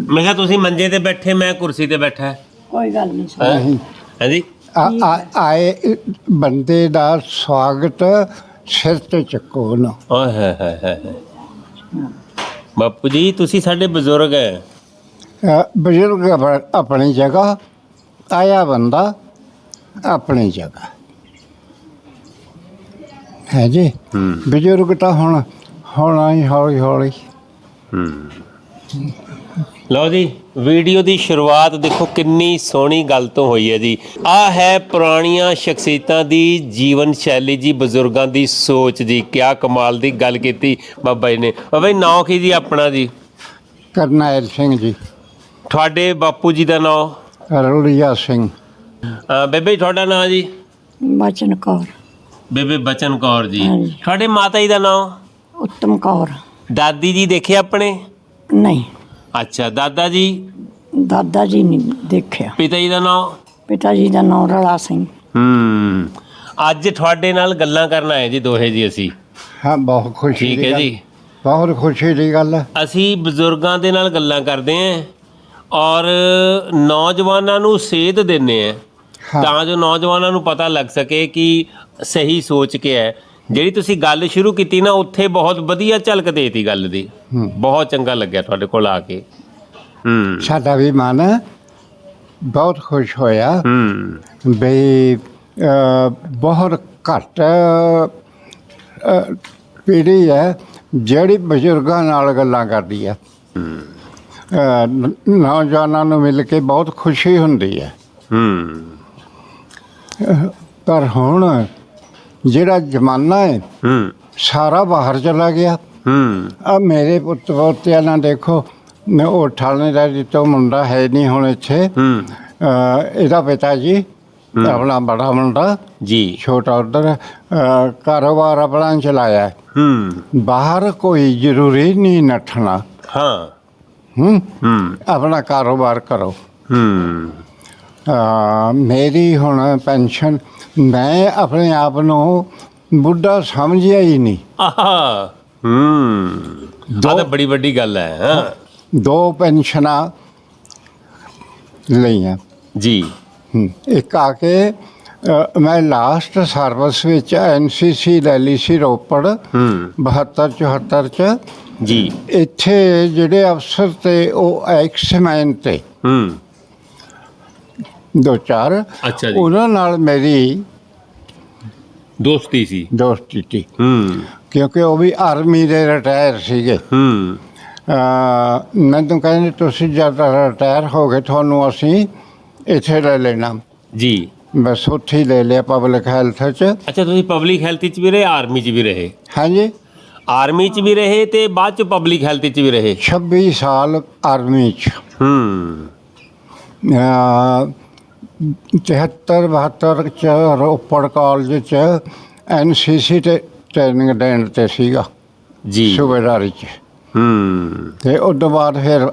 मैं क्या तुसी मंजे ते बैठे मैं कुर्सी ते बैठा कोई गल नहीं है जी ਆਏ ਬੰਦੇ ਦਾ ਸਵਾਗਤ ਸਿਰ ਤੇ ਚੱਕੋ ਨਾ। ओए है बापू जी तुसी साडे बजुर्ग है ਬਜ਼ੁਰਗ ਆਪਣੀ ਜਗ੍ਹਾ, ਆਇਆ ਬੰਦਾ ਆਪਣੀ ਜਗ੍ਹਾ ਹੈ ਜੀ। ਬਜ਼ੁਰਗ ਤਾਂ ਹੁਣ ਹੋਣਾ ਹੀ ਹੌਲੀ ਹੌਲੀ। ਲਓ ਜੀ ਵੀਡੀਓ ਦੀ ਸ਼ੁਰੂਆਤ ਦੇਖੋ ਕਿੰਨੀ ਸੋਹਣੀ ਗੱਲ ਤੋਂ ਹੋਈ ਹੈ ਜੀ। ਆਹ ਹੈ ਪੁਰਾਣੀਆਂ ਸ਼ਖਸੀਅਤਾਂ ਦੀ ਜੀਵਨ ਸ਼ੈਲੀ ਜੀ, ਬਜ਼ੁਰਗਾਂ ਦੀ ਸੋਚ ਜੀ। ਕਿਆ ਕਮਾਲ ਦੀ ਗੱਲ ਕੀਤੀ ਬਾਬਾ ਜੀ ਨੇ। ਬਾਬਾ ਜੀ ਨਾਂ ਕੀ ਜੀ ਆਪਣਾ ਜੀ? ਕਰਨੈਲ ਸਿੰਘ ਜੀ। ਤੁਹਾਡੇ ਬਾਪੂ ਜੀ ਦਾ ਨਾਂ? ਰੁਲੀਆ ਸਿੰਘ। ਬੇਬੇ ਤੁਹਾਡਾ ਨਾਂ ਜੀ? बचन कौर। ਬੇਬੇ ਬਚਨ ਕੌਰ ਜੀ। ਹਾਂਜੀ। ਤੁਹਾਡੇ ਮਾਤਾ ਜੀ ਦਾ ਨਾਂ? उत्तम कौर। ਦਾਦੀ ਜੀ ਦੇਖੇ ਆਪਣੇ? नहीं ਅੱਛਾ ਦਾਦਾ ਜੀ? दादा जी नहीं देखिया। ਪਿਤਾ ਜੀ ਦਾ ਨਾਂ? पिता जी का नाम रला सिंह। ਅੱਜ ਤੁਹਾਡੇ ਨਾਲ ਗੱਲਾਂ ਕਰਨ ਆਏ ਜੀ ਦੋਹੇ ਜੀ ਅਸੀਂ। ਹਾਂ ਬਹੁਤ ਖੁਸ਼ੀ ਠੀਕ ਦੀ ਹੈ ਗੱਲ। ਜੀ। ਬਹੁਤ ਖੁਸ਼ੀ ਦੀ ਗੱਲ ਹੈ। ਅਸੀਂ ਬਜ਼ੁਰਗਾਂ ਦੇ ਨਾਲ ਗੱਲਾਂ ਕਰਦੇ ਹਾਂ ਔਰ ਨੌਜਵਾਨਾਂ ਨੂੰ ਸੇਧ ਦਿੰਦੇ ਹਾਂ ਤਾਂ ਜੋ ਨੌਜਵਾਨਾਂ ਨੂੰ ਪਤਾ ਲੱਗ ਸਕੇ ਕਿ ਸਹੀ ਸੋਚ ਕੇ ਹੈ। ਜਿਹੜੀ ਤੁਸੀਂ ਗੱਲ ਸ਼ੁਰੂ ਕੀਤੀ ਨਾ ਉੱਥੇ ਬਹੁਤ ਵਧੀਆ ਝਲਕ ਦੇਤੀ ਗੱਲ ਦੀ। ਬਹੁਤ ਚੰਗਾ ਲੱਗਿਆ ਤੁਹਾਡੇ ਕੋਲ ਆ ਕੇ। ਸਾਡਾ ਵੀ ਮਨ ਬਹੁਤ ਖੁਸ਼ ਹੋਇਆ ਬਈ ਬਹੁਤ ਘੱਟ ਪੀੜ੍ਹੀ ਹੈ ਜਿਹੜੀ ਬਜ਼ੁਰਗਾਂ ਨਾਲ ਗੱਲਾਂ ਕਰਦੀ ਹੈ। ਨੌਜਵਾਨਾਂ ਨੂੰ ਮਿਲ ਕੇ ਬਹੁਤ ਖੁਸ਼ੀ ਹੁੰਦੀ ਹੈ। ਪਰ ਹੁਣ ਜਿਹੜਾ ਜ਼ਮਾਨਾ ਹੈ ਸਾਰਾ ਬਾਹਰ ਚਲਾ ਗਿਆ। ਆ ਮੇਰੇ ਪੁੱਤ ਪੋਤਿਆਂ ਨਾਲ ਦੇਖੋ, ਉਹ ਠਾਣੇਦਾਰ ਜੀ ਤੋਂ ਮੁੰਡਾ ਹੈ ਨਹੀਂ ਹੁਣ ਇੱਥੇ। ਇਹਦਾ ਪਿਤਾ ਜੀ ਆਪਣਾ ਬੜਾ ਮੁੰਡਾ ਜੀ ਛੋਟਾ ਉੱਧਰ ਕਾਰੋਬਾਰ ਆਪਣਾ ਚਲਾਇਆ। ਬਾਹਰ ਕੋਈ ਜ਼ਰੂਰੀ ਨਹੀਂ ਨੱਠਣਾ। ਆਪਣਾ ਕਾਰੋਬਾਰ ਕਰੋ। ਮੇਰੀ ਹੁਣ ਪੈਨਸ਼ਨ, ਮੈਂ ਆਪਣੇ ਆਪ ਨੂੰ ਬੁੱਢਾ ਸਮਝਿਆ ਹੀ ਨਹੀਂ। ਆਹ ਤਾਂ ਬੜੀ ਵੱਡੀ ਗੱਲ ਹੈ। 2 ਪੈਨਸ਼ਨਾਂ ਲਈਆਂ ਜੀ। ਇੱਕ ਆ ਕੇ ਮੈਂ ਲਾਸਟ ਸਰਵਿਸ ਵਿੱਚ NCC ਲੈ ਲਈ ਸੀ ਰੋਪੜ 72-74 ਚ ਜੀ। ਇੱਥੇ ਜਿਹੜੇ ਅਫਸਰ ਤੇ ਉਹ ਐਕਸਮੈਨ ਤੇ 2-4 ਅੱਛਾ ਜੀ। ਉਹਨਾਂ ਨਾਲ ਮੇਰੀ ਦੋਸਤੀ ਸੀ। ਦੋਸਤੀ ਸੀ ਕਿਉਂਕਿ ਉਹ ਵੀ ਆਰਮੀ ਦੇ ਰਿਟਾਇਰ ਸੀਗੇ। ਮੈਨੂੰ ਕਹਿੰਦੇ ਤੁਸੀਂ ਜਦ ਰਿਟਾਇਰ ਹੋ ਗਏ ਤੁਹਾਨੂੰ ਅਸੀਂ ਇੱਥੇ ਲੈ ਲੈਣਾ ਜੀ। ਬਸ ਉੱਥੇ ਹੀ ਲੈ ਲਿਆ ਪਬਲਿਕ ਹੈਲਥ 'ਚ। ਅੱਛਾ ਤੁਸੀਂ ਪਬਲਿਕ ਹੈਲਥ 'ਚ ਵੀ ਰਹੇ, ਆਰਮੀ 'ਚ ਵੀ ਰਹੇ? ਹਾਂਜੀ ਆਰਮੀ 'ਚ ਵੀ ਰਹੇ ਤੇ ਬਾਅਦ 'ਚ ਪਬਲਿਕ ਹੈਲਥ 'ਚ ਵੀ ਰਹੇ। 26 ਸਾਲ ਆਰਮੀ 'ਚ। 73-72 ਚ ਰੋਪੜ ਕਾਲਜ 'ਚ NCC ਤੇ ਟ੍ਰੇਨਿੰਗ ਦੇਣ ਤੇ ਸੀਗਾ ਜੀ ਸੂਬੇਦਾਰੀ 'ਚ। ਤੇ ਉਸ ਤੋਂ ਬਾਅਦ ਫਿਰ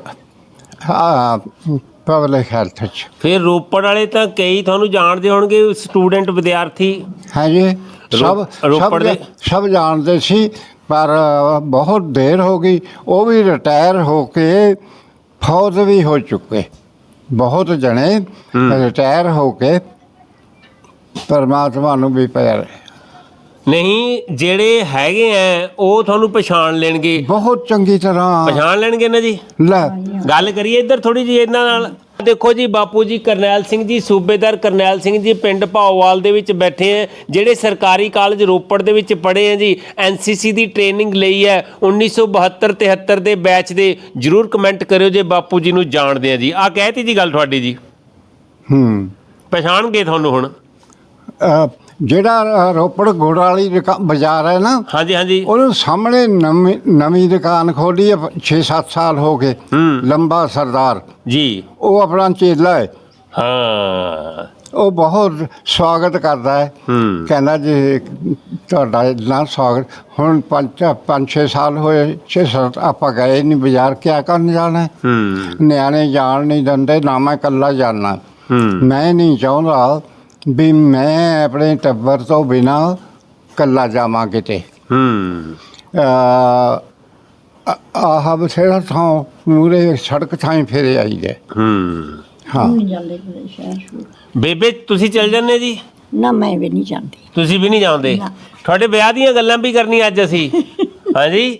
ਪਬਲਿਕ ਹੈਲਥ 'ਚ। ਫਿਰ ਰੋਪੜ ਵਾਲੇ ਤਾਂ ਕਈ ਤੁਹਾਨੂੰ ਜਾਣਦੇ ਹੋਣਗੇ, ਸਟੂਡੈਂਟ ਵਿਦਿਆਰਥੀ। ਹਾਂਜੀ ਰੋਪੜ ਦੇ ਸਭ ਜਾਣਦੇ ਸੀ ਪਰ ਬਹੁਤ ਦੇਰ ਹੋ ਗਈ। ਉਹ ਵੀ ਰਿਟਾਇਰ ਹੋ ਕੇ ਫੌਜ ਵੀ ਹੋ ਚੁੱਕੇ ਬਹੁਤ ਜਣੇ ਰਿਟਾਇਰ ਹੋ ਕੇ ਪਰਮਾਤਮਾ ਨੂੰ ਵੀ ਪਿਆਰੇ। ਨਹੀਂ ਜਿਹੜੇ ਹੈਗੇ ਆ ਉਹ ਤੁਹਾਨੂੰ ਪਛਾਣ ਲੈਣਗੇ, ਬਹੁਤ ਚੰਗੀ ਤਰ੍ਹਾਂ ਪਛਾਣ ਲੈਣਗੇ ਨਾ ਜੀ। ਲੈ ਗੱਲ ਕਰੀਏ ਇੱਧਰ ਥੋੜੀ ਜਿਹੀ ਇਹਨਾਂ ਨਾਲ। ਦੇਖੋ ਜੀ ਬਾਪੂ ਜੀ ਕਰਨੈਲ ਸਿੰਘ ਜੀ, ਸੂਬੇਦਾਰ ਕਰਨੈਲ ਸਿੰਘ ਜੀ ਪਿੰਡ ਭਾਓਵਾਲ ਦੇ ਵਿੱਚ ਬੈਠੇ ਆ, ਜਿਹੜੇ ਸਰਕਾਰੀ ਕਾਲਜ ਰੋਪੜ ਦੇ ਵਿੱਚ ਪੜ੍ਹੇ ਆ ਜੀ। NCC ਦੀ ਟ੍ਰੇਨਿੰਗ ਲਈ ਹੈ 1972-73 ਦੇ ਬੈਚ ਦੇ। ਜ਼ਰੂਰ ਕਮੈਂਟ ਕਰਿਓ ਜੇ ਬਾਪੂ ਜੀ ਨੂੰ ਜਾਣਦੇ ਆ ਜੀ। ਆਹ ਕਹਿਤੀ ਜੀ ਗੱਲ ਤੁਹਾਡੀ ਜੀ। ਪਛਾਣ ਗਏ ਤੁਹਾਨੂੰ ਹੁਣ? ਜਿਹੜਾ ਰੋਪੜ ਗੁੜ ਵਾਲੀ ਬਾਜ਼ਾਰ ਹੈ ਨਾ, ਹਾਂਜੀ ਹਾਂਜੀ, ਉਹਨੂੰ ਸਾਹਮਣੇ ਨਵੀਂ ਦੁਕਾਨ ਖੋਲੀ ਹੈ 6-7 ਸਾਲ ਹੋ ਗਏ। ਲੰਬਾ ਸਰਦਾਰ ਜੀ, ਉਹ ਆਪਣਾ ਚੇਲਾ ਹੈ। ਹਾਂ ਉਹ ਬਹੁਤ ਸਵਾਗਤ ਕਰਦਾ ਹੈ। ਕਹਿੰਦਾ ਜੀ ਤੁਹਾਡਾ ਇੰਨਾ ਸਵਾਗਤ। ਹੁਣ 5-6 ਸਾਲ ਹੋਏ, 6-7 ਆਪਾਂ ਗਏ ਨਹੀਂ ਬਾਜ਼ਾਰ, ਕਿਆ ਕਰਨ ਜਾਣਾ। ਨਿਆਣੇ ਜਾਣ ਨਹੀਂ ਦਿੰਦੇ, ਨਾ ਮੈਂ ਇਕੱਲਾ ਜਾਣਾ। ਮੈਂ ਨਹੀਂ ਚਾਹੁੰਦਾ ਵੀ ਮੈਂ ਆਪਣੇ ਟੱਬਰ ਤੋਂ ਬਿਨਾਂ ਇਕੱਲਾ ਜਾਵਾਂ ਕਿਤੇ। ਆਹ ਬਥੇਰਾ ਥਾਂ ਮੂਰੇ ਸੜਕ ਥਾਂ ਫੇਰੇ ਆਈ ਗਏ। ਹਾਂ ਨਹੀਂ ਜਾਂਦੇ ਕਿਤੇ ਸ਼ਹਿਰ ਸ਼ੂਰ। ਬੇਬੇ ਤੁਸੀਂ ਚੱਲ ਜਾਂਦੇ ਜੀ? ਨਾ ਮੈਂ ਵੀ ਨਹੀਂ ਜਾਂਦੀ। ਤੁਸੀਂ ਵੀ ਨਹੀਂ ਜਾਂਦੇ? ਨਾ। ਤੁਹਾਡੇ ਵਿਆਹ ਦੀਆਂ ਗੱਲਾਂ ਵੀ ਕਰਨੀਆਂ ਅੱਜ ਅਸੀਂ। ਹਾਂਜੀ।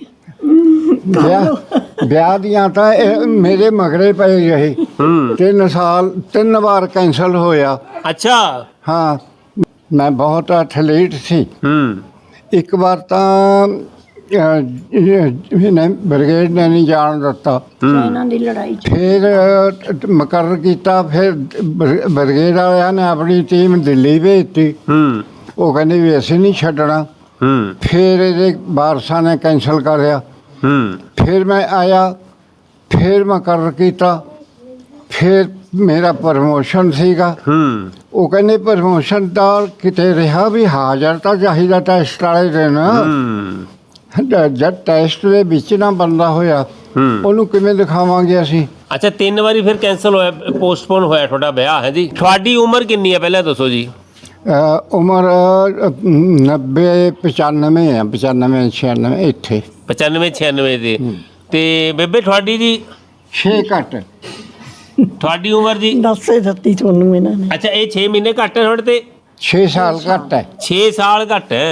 ਵਿਆਹ ਦੀਆਂ ਤਾਂ ਇਹ ਮੇਰੇ ਮਗਰੇ ਪਏ ਰਹੇ। 3 ਸਾਲ 3 ਵਾਰ ਕੈਂਸਲ ਹੋਇਆ। ਅੱਛਾ। ਹਾਂ ਮੈਂ ਬਹੁਤ ਐਥਲੀਟ ਸੀ। ਇੱਕ ਵਾਰ ਤਾਂ ਇਹਨੇ ਬ੍ਰਿਗੇਡ ਨੇ ਨਹੀਂ ਜਾਣ ਦਿੱਤਾ। ਇਹਨਾਂ ਦੀ ਲੜਾਈ ਚ ਫਿਰ ਮੁਕਰਰ ਕੀਤਾ। ਫਿਰ ਬ੍ਰਿਗੇਡ ਵਾਲਿਆਂ ਨੇ ਆਪਣੀ ਟੀਮ ਦਿੱਲੀ ਭੇਜਤੀ। ਉਹ ਕਹਿੰਦੇ ਵੀ ਅਸੀਂ ਨਹੀਂ ਛੱਡਣਾ। ਫਿਰ ਇਹਦੇ ਵਾਰਸਾਂ ਨੇ ਕੈਂਸਲ ਕਰਿਆ। ਫਿਰ ਮੈਂ ਆਇਆ, ਫਿਰ ਮੁਕਰਰ ਕੀਤਾ। ਫਿਰ ਮੇਰਾ ਪ੍ਰਮੋਸ਼ਨ ਸੀਗਾ। ਉਹ ਕਹਿੰਦੇ ਪ੍ਰਮੋਸ਼ਨ ਦਾ ਕਿਤੇ ਰਿਹਾ ਵੀ ਹਾਜ਼ਰ ਤਾਂ ਚਾਹੀਦਾ ਟੈਸਟ ਵਾਲੇ ਦਿਨ। ਜਦ ਟੈਸਟ ਦੇ ਵਿੱਚ ਨਾ ਬੰਦਾ ਹੋਇਆ ਉਹਨੂੰ ਕਿਵੇਂ ਦਿਖਾਵਾਂਗੇ ਅਸੀਂ? ਅੱਛਾ 3 ਵਾਰੀ ਫਿਰ ਕੈਂਸਲ ਹੋਇਆ, ਪੋਸਟਪੋਨ ਹੋਇਆ ਤੁਹਾਡਾ ਵਿਆਹ ਹੈ ਜੀ। ਤੁਹਾਡੀ ਉਮਰ ਕਿੰਨੀ ਹੈ ਪਹਿਲਾਂ ਦੱਸੋ ਜੀ? ਉਮਰ 90 95 ਹੈ। 95 96 ਇੱਥੇ 95 96 ਦੇ। ਤੇ ਬੇਬੇ ਤੁਹਾਡੀ ਜੀ? 6 ਘੱਟ। ਤੁਹਾਡੀ ਉਮਰ ਜੀ? ਦੱਸੇ ਦਿੱਤੀ ਤੁਹਾਨੂੰ ਇਹਨਾਂ ਨੇ। ਅੱਛਾ ਇਹ 6 ਮਹੀਨੇ ਘੱਟ ਹੈ ਤੁਹਾਡੇ ਤੇ? 6 ਸਾਲ ਘੱਟ ਹੈ। 6 ਸਾਲ ਘੱਟ ਹੈ।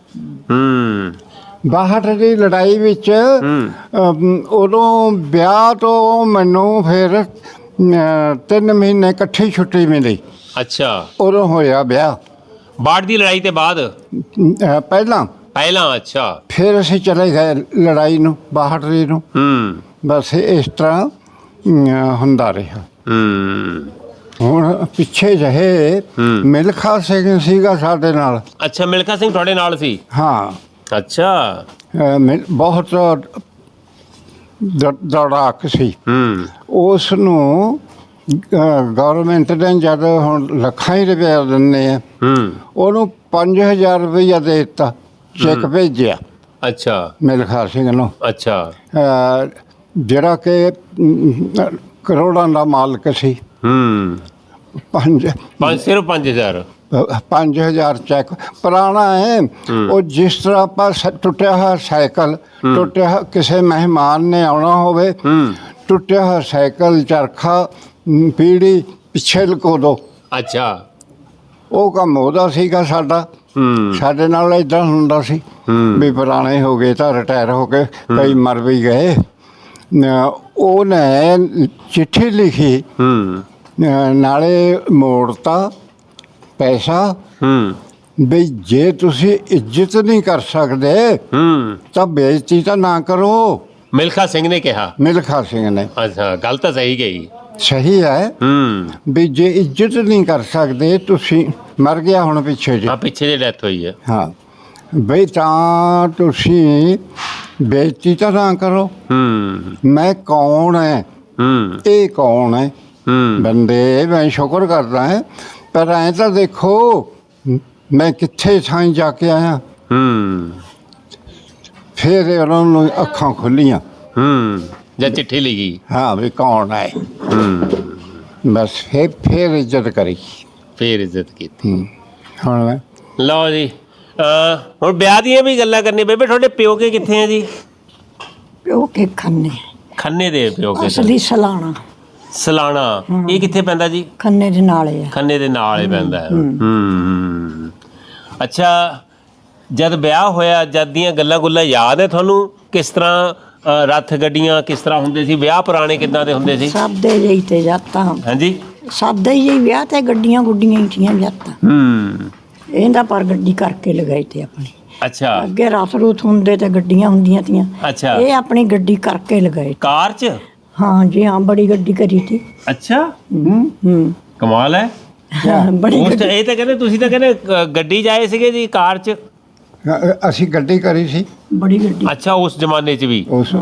62 ਦੀ ਲੜਾਈ ਵਿੱਚ ਉਦੋਂ ਵਿਆਹ ਤੋਂ ਮੈਨੂੰ ਫਿਰ 3 ਮਹੀਨੇ ਇਕੱਠੀ ਛੁੱਟੀ ਮਿਲੀ। ਅੱਛਾ ਉਦੋਂ ਹੋਇਆ ਵਿਆਹ। 62 ਦੀ ਲੜਾਈ ਤੇ ਬਾਅਦ? ਪਹਿਲਾਂ ਅੱਛਾ। ਫਿਰ ਅਸੀਂ ਚਲੇ ਗਏ ਲੜਾਈ ਨੂੰ 62 ਨੂੰ। ਬਸ ਇਸ ਤਰ੍ਹਾਂ ਹੁੰਦਾ ਰਿਹਾ। ਹੁਣ ਪਿੱਛੇ ਜਿਹੇ ਮਿਲਖਾ ਸਿੰਘ ਸੀਗਾ ਸਾਡੇ ਨਾਲ। ਅੱਛਾ ਮਿਲਖਾ ਸਿੰਘ ਤੁਹਾਡੇ ਨਾਲ ਸੀ? ਹਾਂ। ਅੱਛਾ। ਬਹੁਤ ਦੌੜਾਕ ਸੀ। ਉਸ ਨੂੰ ਗਵਰਨਮੈਂਟ ਨੇ ਜਦ ਹੁਣ ਲੱਖਾਂ ਹੀ ਰੁਪਏ ਦਿੰਦੇ ਆ, ਉਹਨੂੰ 5000 ਰੁਪਈਆ ਦੇ ਦਿੱਤਾ, ਚੈੱਕ ਭੇਜਿਆ। ਅੱਛਾ ਮਿਲਖਾ ਸਿੰਘ ਨੂੰ। ਅੱਛਾ। ਜਿਹੜਾ ਕਿ ਕਰੋੜਾਂ ਦਾ ਮਾਲਕ ਸੀ। ਸਿਰਫ 5000 5000 ਚੈੱਕ ਪੁਰਾਣਾ ਹੈ। ਉਹ ਜਿਸ ਤਰ੍ਹਾਂ ਆਪਾਂ ਟੁੱਟਿਆ ਹੋਇਆ ਸਾਈਕਲ, ਟੁੱਟਿਆ ਕਿਸੇ ਮਹਿਮਾਨ ਨੇ ਆਉਣਾ ਹੋਵੇ, ਟੁੱਟਿਆ ਹੋਇਆ ਸਾਈਕਲ, ਚਰਖਾ, ਪੀੜੀ ਪਿੱਛੇ ਲਕੋ ਦੋ। ਅੱਛਾ। ਉਹ ਕੰਮ ਉਹਦਾ ਸੀਗਾ ਸਾਡਾ। ਸਾਡੇ ਨਾਲ ਏਦਾਂ ਹੁੰਦਾ ਸੀ ਵੀ ਪੁਰਾਣੇ ਹੋ ਗਏ ਤਾਂ ਰਿਟਾਇਰ ਹੋ ਕੇ ਕਈ ਮਰ ਵੀ ਗਏ। ਉਹਨੇ ਚਿੱਠੀ ਲਿਖੀ, ਨਾਲੇ ਮੋੜਤਾ ਪੈਸਾ ਵੀ ਜੇ ਤੁਸੀਂ ਇੱਜ਼ਤ ਨਹੀਂ ਕਰ ਸਕਦੇ ਤਾਂ ਬੇਇੱਜ਼ਤੀ ਤਾਂ ਨਾ ਕਰੋ। ਮਿਲਖਾ ਸਿੰਘ ਨੇ ਕਿਹਾ? ਮਿਲਖਾ ਸਿੰਘ ਨੇ। ਅੱਛਾ ਗੱਲ ਤਾਂ ਸਹੀ ਗਈ। ਸਹੀ ਹੈ ਵੀ ਜੇ ਇੱਜ਼ਤ ਨਹੀਂ ਕਰ ਸਕਦੇ ਤੁਸੀਂ, ਮਰ ਗਿਆ ਹੁਣ ਪਿੱਛੇ ਜੀ। ਹਾਂ ਪਿੱਛੇ ਜੇ ਡੈਥ ਹੋਈ ਹੈ। ਹਾਂ ਬਈ ਤਾਂ ਤੁਸੀਂ ਬੇਇੱਜ਼ਤੀ ਤਾਂ ਨਾ ਕਰੋ। ਮੈਂ ਕੌਣ ਹੈ, ਇਹ ਕੌਣ ਹੈ ਬੰਦੇ? ਮੈਂ ਸ਼ੁਕਰ ਕਰਦਾ ਹੈ, ਪਰ ਐਂ ਤਾਂ ਦੇਖੋ ਮੈਂ ਕਿੱਥੇ ਥਾਂ ਜਾ ਕੇ ਆਇਆ। ਫਿਰ ਉਹਨਾਂ ਨੂੰ ਅੱਖਾਂ ਖੁੱਲੀਆਂ। ਜਾਂ ਚਿੱਠੀ ਲਿਖੀ? ਹਾਂ ਵੀ ਕੌਣ ਹੈ। ਬਸ ਫਿਰ ਇੱਜ਼ਤ ਕਰੀ, ਫਿਰ ਇੱਜ਼ਤ ਕੀਤੀ। ਹੁਣ ਮੈਂ ਲਓ ਜੀ ਹੁਣ ਵਿਆਹ ਦੀਆਂ ਵੀ ਗੱਲਾਂ ਕਰਨੀ। ਬੇਬੇ ਤੁਹਾਡੇ ਪਿਓ ਕੇ ਕਿੱਥੇ ਆ ਜੀ? ਪਿਓ ਕੇ ਖੰਨੇ। ਖੰਨੇ ਦੇ ਪਿਓ ਕੇ? ਅਸਲੀ ਸਲਾਣਾ। ਸਲਾਣਾ ਇਹ ਕਿੱਥੇ ਪੈਂਦਾ ਜੀ? ਖੰਨੇ ਦੇ ਨਾਲੇ ਆ। ਖੰਨੇ ਦੇ ਨਾਲ ਹੀ ਪੈਂਦਾ ਹੈ। ਅੱਛਾ ਜਦ ਵਿਆਹ ਹੋਇਆ, ਜਦ ਦੀਆਂ ਗੱਲਾਂ ਗੁੱਲਾਂ ਯਾਦ ਹੈ ਤੁਹਾਨੂੰ? ਕਿਸ ਤਰ੍ਹਾਂ ਰੱਥ ਗੱਡੀਆਂ ਕਿਸ ਤਰ੍ਹਾਂ ਹੁੰਦੇ ਸੀ? ਵਿਆਹ ਪੁਰਾਣੇ ਕਿੱਦਾਂ ਦੇ ਹੁੰਦੇ ਸੀ? ਸਾਦੇ ਜਿਹੀ ਤੇ ਜਾਤਾਂ। ਹਾਂਜੀ ਸਾਦਾ ਹੀ ਜਿਹੀ ਵਿਆਹ ਤੇ ਗੱਡੀਆਂ ਗੁੱਡੀਆਂ ਹੀ ਥੀਆਂ ਜਾਤਾਂ। ਇਹਦਾ ਪਰ ਗੱਡੀ ਕਰਕੇ ਲਗਾਈ ਤੇ ਆਪਣੀ। ਅੱਛਾ। ਅੱਗੇ ਰਥ ਰੂਥ ਹੁੰਦੇ ਤੇ ਗੱਡੀਆਂ ਹੁੰਦੀਆਂ ਤੀਆਂ। ਅੱਛਾ। ਇਹ ਆਪਣੀ ਗੱਡੀ ਕਰਕੇ ਲਗਾਏ। ਕਾਰ 'ਚ? ਹਾਂ ਜੀ ਹਾਂ, ਬੜੀ ਗੱਡੀ ਕਰੀ ਤੀ। ਅੱਛਾ ਕਮਾਲ ਹੈ। ਬੜੀ ਉਸ ਇਹ ਤਾਂ ਕਹਿੰਦੇ ਤੁਸੀਂ ਤਾਂ ਕਹਿੰਦੇ ਗੱਡੀ 'ਚ ਆਏ ਸੀਗੇ ਜੀ, ਕਾਰ 'ਚ? ਅਸੀਂ ਗੱਡੀ ਕਰੀ ਸੀ। ਬੜੀ ਗੱਡੀ। ਅੱਛਾ ਉਸ ਜ਼ਮਾਨੇ 'ਚ ਵੀ? ਉਸ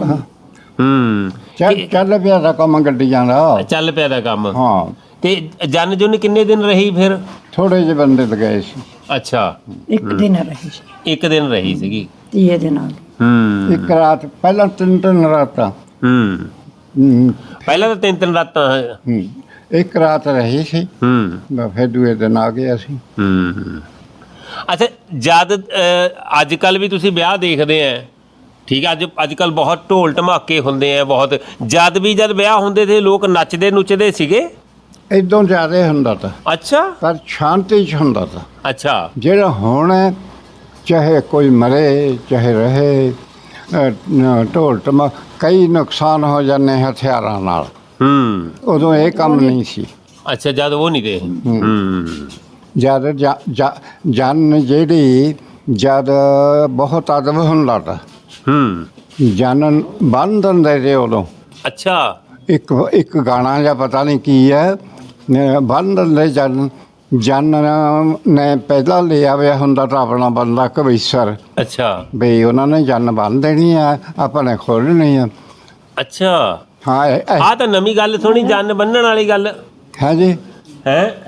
ਚੱਲ ਪਿਆ ਦਾ ਕੰਮ ਗੱਡੀਆਂ ਦਾ। ਚੱਲ ਪਿਆ ਦਾ ਕੰਮ। ਹਾਂ। ਤੇ ਜਨ ਜੁਨ ਕਿੰਨੇ ਦਿਨ ਰਹੀ ਫਿਰ? ਥੋੜੇ ਜਿਹੇ ਬੰਦੇ ਲਗਾਏ ਸੀ। ਅੱਛਾ ਇੱਕ ਦਿਨ ਰਹੀ ਸੀ। ਇੱਕ ਦਿਨ ਰਹੀ ਸੀਗੀ। ਤੀਏ ਦੇ ਨਾਲ। ਇੱਕ ਰਾਤ, ਪਹਿਲਾਂ 3 ਰਾਤਾਂ। ਪਹਿਲਾਂ ਤਾਂ 3 ਰਾਤਾਂ। ਇੱਕ ਰਾਤ ਰਹੀ ਸੀ, ਫਿਰ ਦੂਏ ਦਿਨ ਆ ਗਏ ਅਸੀਂ। ਅੱਛਾ ਜਦ ਅੱਜ ਕੱਲ੍ਹ ਵੀ ਤੁਸੀਂ ਵਿਆਹ ਦੇਖਦੇ ਆ ਠੀਕ ਹੈ। ਅੱਜ ਕੱਲ ਬਹੁਤ ਢੋਲ ਢਮਾਕੇ ਹੁੰਦੇ ਆ ਬਹੁਤ। ਜਦ ਵਿਆਹ ਹੁੰਦੇ ਸੀ ਲੋਕ ਨੱਚਦੇ ਨੁੱਚਦੇ ਸੀਗੇ। ਇਦੋਂ ਜ਼ਿਆਦਾ ਹੁੰਦਾ ਤਾਂ, ਅੱਛਾ ਪਰ ਸ਼ਾਂਤੀ 'ਚ ਹੁੰਦਾ ਤਾਂ। ਅੱਛਾ ਜਿਹੜਾ ਹੁਣ ਹੈ, ਚਾਹੇ ਕੋਈ ਮਰੇ ਚਾਹੇ ਰਹੇ, ਢੋਲ ਟਮਾ ਕਈ ਨੁਕਸਾਨ ਹੋ ਜਾਂਦੇ ਹਥਿਆਰਾਂ ਨਾਲ। ਉਦੋਂ ਇਹ ਕੰਮ ਨਹੀਂ ਸੀ। ਅੱਛਾ ਜਦ ਉਹ ਨਹੀਂ ਦੇ। ਜਦ ਜਨ ਜਿਹੜੀ ਜਦ ਬਹੁਤ ਅਦਬ ਹੁੰਦਾ ਤਾ, ਜਨ ਬੰਨ ਦਿੰਦੇ ਤੇ ਉਦੋਂ। ਅੱਛਾ ਇੱਕ ਗਾਣਾ ਜਾਂ ਪਤਾ ਨਹੀਂ ਕੀ ਹੈ, ਬੰਨ ਦਿੰਦੇ ਜਨ ਨੇ ਪਹਿਲਾਂ ਲਿਆ ਹੋਇਆ ਹੁੰਦਾ ਤਾਂ ਆਪਣਾ ਬੰਦਾ ਕਵੀਸ਼ਰ। ਅੱਛਾ ਬਈ ਉਹਨਾਂ ਨੇ ਜਨ ਬੰਨ ਦੇਣੀ ਆ, ਆਪਾਂ ਨੇ ਖੋਲ੍ਹਣੀ ਆ। ਅੱਛਾ ਹਾਂ ਆਹ ਤਾਂ ਨਵੀਂ ਗੱਲ ਸੁਣੀ, ਜਨ ਬੰਨਣ ਵਾਲੀ ਗੱਲ ਹੈ ਜੀ। ਹੈ